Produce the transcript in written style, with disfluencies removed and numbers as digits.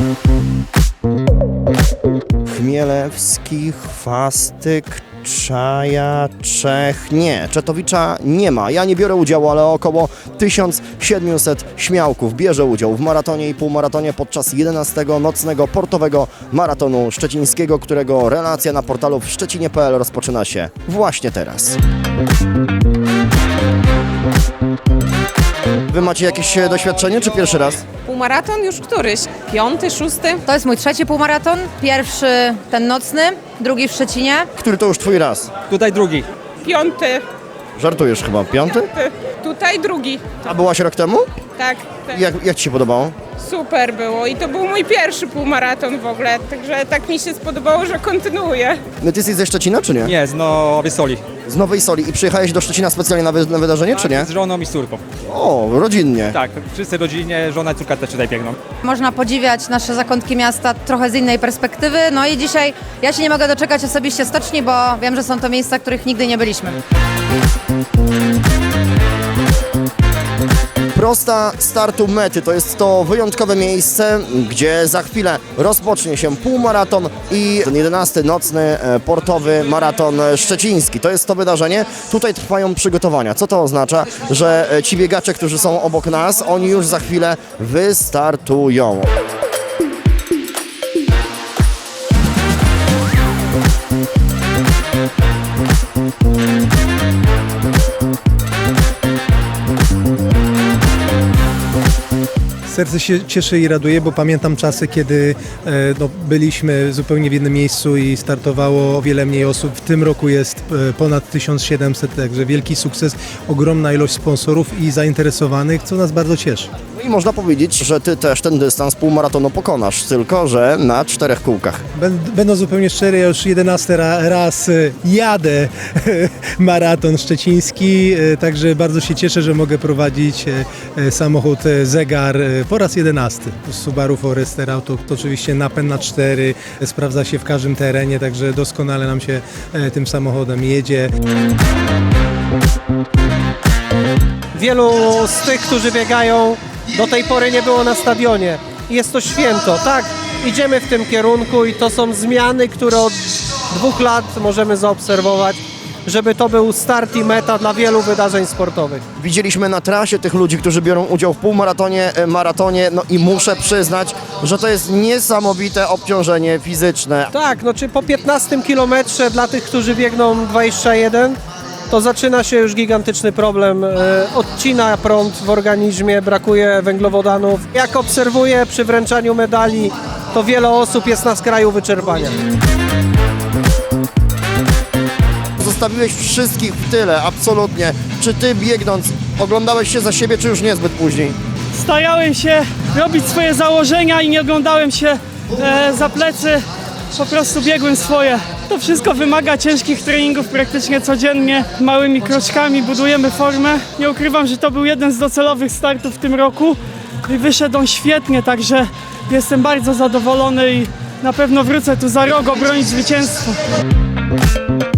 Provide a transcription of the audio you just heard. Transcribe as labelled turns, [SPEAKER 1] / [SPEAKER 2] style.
[SPEAKER 1] Chmielewski, Chwastyk, Czaja, Czech. Nie, Czetowicza nie ma. Ja nie biorę udziału, ale około 1700 śmiałków bierze udział w maratonie i półmaratonie podczas 11. nocnego portowego maratonu szczecińskiego, którego relacja na portalu w szczecinie.pl rozpoczyna się właśnie teraz. Wy macie jakieś doświadczenie, czy pierwszy raz?
[SPEAKER 2] Półmaraton już któryś? 5., 6?
[SPEAKER 3] To jest mój trzeci półmaraton. Pierwszy ten nocny, drugi w Szczecinie.
[SPEAKER 1] Który to już twój raz?
[SPEAKER 4] Tutaj drugi.
[SPEAKER 2] 5.
[SPEAKER 1] Żartujesz chyba, 5?
[SPEAKER 2] Tutaj drugi.
[SPEAKER 1] A byłaś rok temu?
[SPEAKER 2] Tak, tak.
[SPEAKER 1] Jak ci się podobało?
[SPEAKER 2] Super było i to był mój pierwszy półmaraton w ogóle, także tak mi się spodobało, że kontynuuję.
[SPEAKER 1] No ty jesteś ze Szczecina, czy nie?
[SPEAKER 4] Nie, z Nowej Soli.
[SPEAKER 1] Z Nowej Soli. I przyjechałeś do Szczecina specjalnie na wydarzenie, czy nie?
[SPEAKER 4] Z żoną i z córką.
[SPEAKER 1] O, rodzinnie.
[SPEAKER 4] Tak, wszyscy rodzinie, żona i córka też tutaj biegną.
[SPEAKER 3] Można podziwiać nasze zakątki miasta trochę z innej perspektywy. No i dzisiaj ja się nie mogę doczekać osobiście stoczni, bo wiem, że są to miejsca, w których nigdy nie byliśmy.
[SPEAKER 1] Prosta startu mety to jest to wyjątkowe miejsce, gdzie za chwilę rozpocznie się półmaraton i ten 11. nocny portowy maraton szczeciński. To jest to wydarzenie. Tutaj trwają przygotowania. Co to oznacza? Że ci biegacze, którzy są obok nas, oni już za chwilę wystartują.
[SPEAKER 5] Serce się cieszy i raduje, bo pamiętam czasy, kiedy byliśmy zupełnie w jednym miejscu i startowało o wiele mniej osób. W tym roku jest ponad 1700, także wielki sukces, ogromna ilość sponsorów i zainteresowanych, co nas bardzo cieszy.
[SPEAKER 1] No i można powiedzieć, że ty też ten dystans półmaratonu pokonasz, tylko że na 4 kółkach.
[SPEAKER 5] Będąc zupełnie szczery, ja już 11 raz jadę maraton szczeciński, także bardzo się cieszę, że mogę prowadzić samochód Zegar po raz 11. Subaru Forester Auto to oczywiście napęd na 4, sprawdza się w każdym terenie, także doskonale nam się tym samochodem jedzie.
[SPEAKER 6] Wielu z tych, którzy biegają, do tej pory nie było na stadionie. Jest to święto, tak, idziemy w tym kierunku i to są zmiany, które od 2 lat możemy zaobserwować, żeby to był start i meta dla wielu wydarzeń sportowych.
[SPEAKER 1] Widzieliśmy na trasie tych ludzi, którzy biorą udział w półmaratonie, maratonie, no i muszę przyznać, że to jest niesamowite obciążenie fizyczne.
[SPEAKER 6] Tak, no czy po 15 kilometrze dla tych, którzy biegną 21, to zaczyna się już gigantyczny problem. Odcina prąd w organizmie, brakuje węglowodanów. Jak obserwuję przy wręczaniu medali, to wiele osób jest na skraju wyczerpania.
[SPEAKER 1] Zostawiłeś wszystkich w tyle, absolutnie. Czy ty biegnąc oglądałeś się za siebie, czy już niezbyt później?
[SPEAKER 7] Starałem się robić swoje założenia i nie oglądałem się za plecy, po prostu biegłem swoje. To wszystko wymaga ciężkich treningów praktycznie codziennie, małymi kroczkami budujemy formę. Nie ukrywam, że to był jeden z docelowych startów w tym roku i wyszedł on świetnie, także jestem bardzo zadowolony i na pewno wrócę tu za rok obronić zwycięstwo.